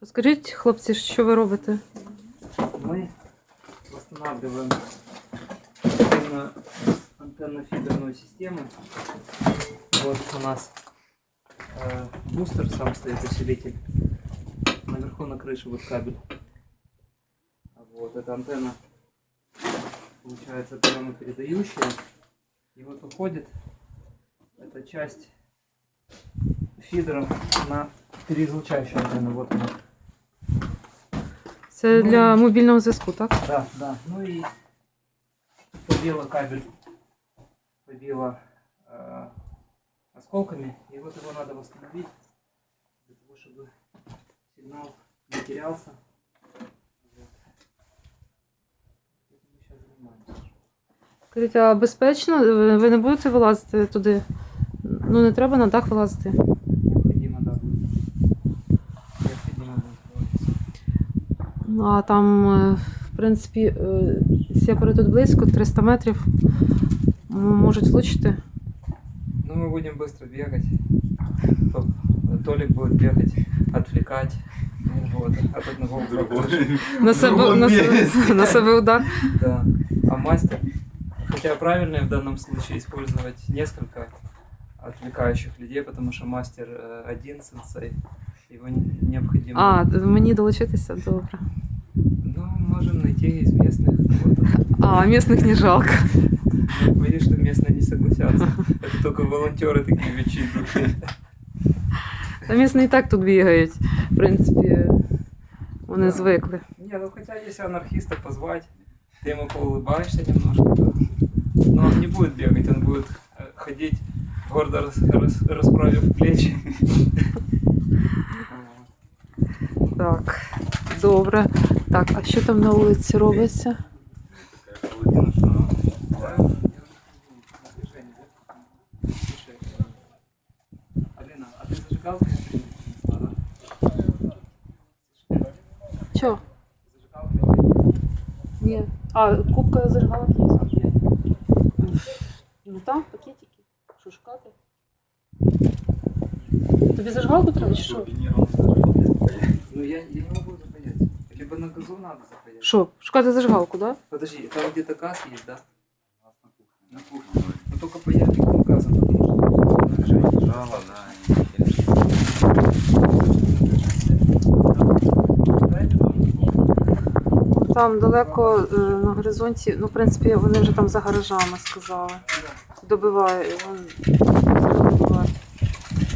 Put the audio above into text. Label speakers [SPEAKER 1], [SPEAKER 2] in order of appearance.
[SPEAKER 1] Скажіть, хлопці, що ви робите?
[SPEAKER 2] Мы восстанавливаем антенно-фидерную систему. Вот у нас бустер, сам стоит усилитель. Наверху на крыше вот кабель. Вот эта антенна, получается, приемопередающая. И вот уходит эта часть фидера на переизлучающую антенну. Вот она.
[SPEAKER 1] Це для мобільного зв'язку, так?
[SPEAKER 2] Да, да. Ну и побила кабель, побила осколками. И вот его надо восстановить, для того, чтобы сигнал не терялся. Вот. Этим мы сейчас занимаемся.
[SPEAKER 1] Скажіть, а безпечно? Ви не будете вилазити туди? Ну, не треба на дах вилазити.
[SPEAKER 2] Необходимо, да, будет. Необходимо будет вылазить.
[SPEAKER 1] Ну, а там, в принципі, сепари тут близько, 300 метрів. Можуть влучити.
[SPEAKER 2] Ну, мы будем быстро бегать. Толик будет бегать, отвлекать. Вот, от одного к другому.
[SPEAKER 1] На себе удар.
[SPEAKER 2] Да. А мастер, хотя правильно в данном случае использовать несколько отвлекающих людей, потому что мастер один сенсей, его необходимо.
[SPEAKER 1] А, мені долучитися? Добре.
[SPEAKER 2] Ну, можем найти из местных кого-то.
[SPEAKER 1] А, місних не жалко.
[SPEAKER 2] Но боюсь, что местные не согласятся. Это только волонтеры такие вечеринки.
[SPEAKER 1] Та місні і так тут бігають. В принципі, вони звикли.
[SPEAKER 2] Не, ну хотя если анархиста позвать, ты ему поулыбаешься немножко, то... Но он не будет бегать, он будет ходить, гордо расправив плечи.
[SPEAKER 1] Так, добре. Так, а що там на вулиці робиться?
[SPEAKER 2] Алина, а ты зажигалку не принесла, да?
[SPEAKER 1] Що?
[SPEAKER 2] Зажигалку?
[SPEAKER 1] Ні. А, кубка зажигалок є? Ну там, пакетики. Що шукати? Тобі зажигалку треба чи що?
[SPEAKER 2] Ну я не могу запаять. Либо на газу надо запаять.
[SPEAKER 1] Що, шукати зажигалку, да?
[SPEAKER 2] Подожди, там где-то газ есть, да? На кухне. Но только паяльник не газом, потому что напряжение жало,
[SPEAKER 1] Там далеко на горизонті, ну, в принципі, вони вже там за гаражами сказали. Добиває.